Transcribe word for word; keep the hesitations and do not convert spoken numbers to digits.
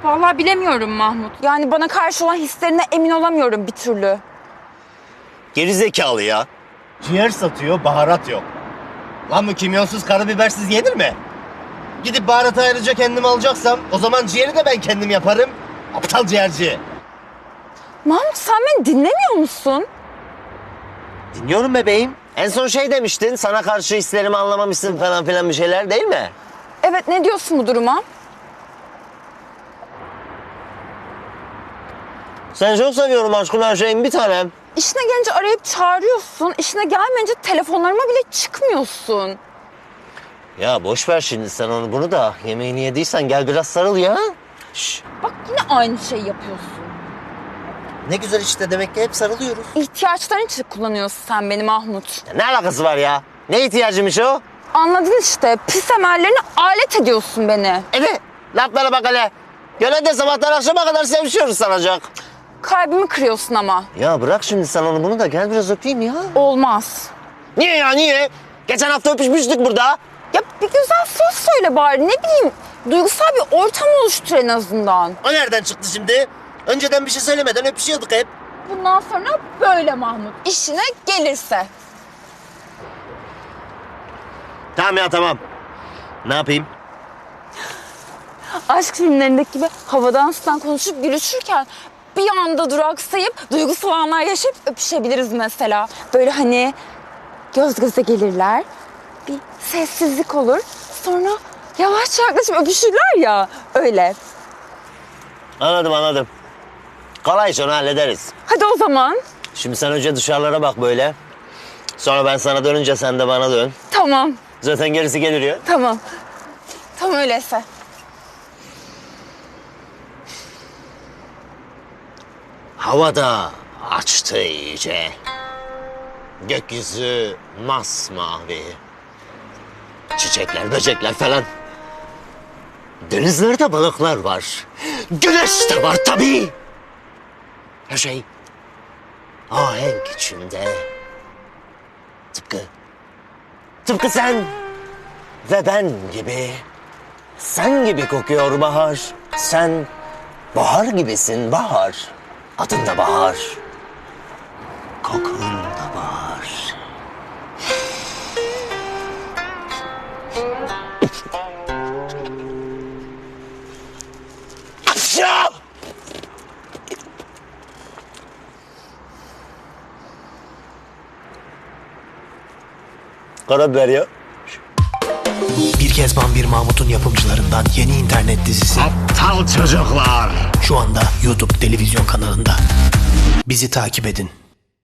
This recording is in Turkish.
Vallahi bilemiyorum Mahmut. Yani bana karşı olan hislerine emin olamıyorum bir türlü. Gerizekalı ya. Ciğer satıyor, baharat yok. Lan bu kimyonsuz karabibersiz yenir mi? Gidip baharatı ayrıca kendim alacaksam o zaman ciğeri de ben kendim yaparım. Aptal ciğerci. Mahmut sen beni dinlemiyor musun? Dinliyorum bebeğim. En son şey demiştin, sana karşı hislerimi anlamamışsın falan filan bir şeyler değil mi? Evet, ne diyorsun bu duruma? Seni çok seviyorum aşkım, her şeyin bir tanem. İşine gelince arayıp çağırıyorsun. İşine gelmeyince telefonlarıma bile çıkmıyorsun. Ya boş ver şimdi sen onu bunu da. Yemeğini yediysen gel biraz sarıl ya. Şş. Bak yine aynı şeyi yapıyorsun. Ne güzel işte, demek ki hep sarılıyoruz. İhtiyaçların için kullanıyorsun sen beni Mahmut. Ya ne alakası var ya? Ne ihtiyacıymış o? Anladın işte. Pis emellerini alet ediyorsun beni. Evet. Laflara bak hele. Gene de sabahtan akşama kadar sevişiyoruz sanacak. Kalbimi kırıyorsun ama. Ya bırak şimdi sen onu bunu da gel biraz öpeyim ya. Olmaz. Niye ya niye? Geçen hafta öpüşmüştük burada. Ya bir güzel söz söyle bari, ne bileyim. Duygusal bir ortam oluştur en azından. O nereden çıktı şimdi? Önceden bir şey söylemeden öpüşüyorduk hep. Bundan sonra böyle Mahmut. İşine gelirse. Tamam ya tamam. Ne yapayım? Aşk filmlerindeki gibi havadan sudan konuşup gülüşürken bir anda duraksayıp duygusal anlar yaşayıp öpüşebiliriz mesela. Böyle hani göz göze gelirler, bir sessizlik olur, sonra yavaşça yaklaşıp öpüşürler ya, öyle. Anladım anladım. Kolay iş, onu hallederiz. Hadi o zaman. Şimdi sen önce dışarılara bak böyle. Sonra ben sana dönünce sen de bana dön. Tamam, Zaten gerisi gelir ya. tamam. Tamam öyleyse. Havada açtı iyice. Gökyüzü masmavi. Çiçekler, böcekler falan. Denizlerde balıklar var. Güneş de var tabii. Her şey ahenk içinde. Tıpkı, tıpkı sen ve ben gibi. Sen gibi kokuyor bahar. Sen bahar gibisin bahar. Adın da bahar. Kokun da bahar. Aşağı! Karabiber ya. Bir Kezban Bir Mahmut'un yapımcılarından yeni internet dizisi Aptal çocuklar. şu anda YouTube televizyon kanalında. Bizi takip edin.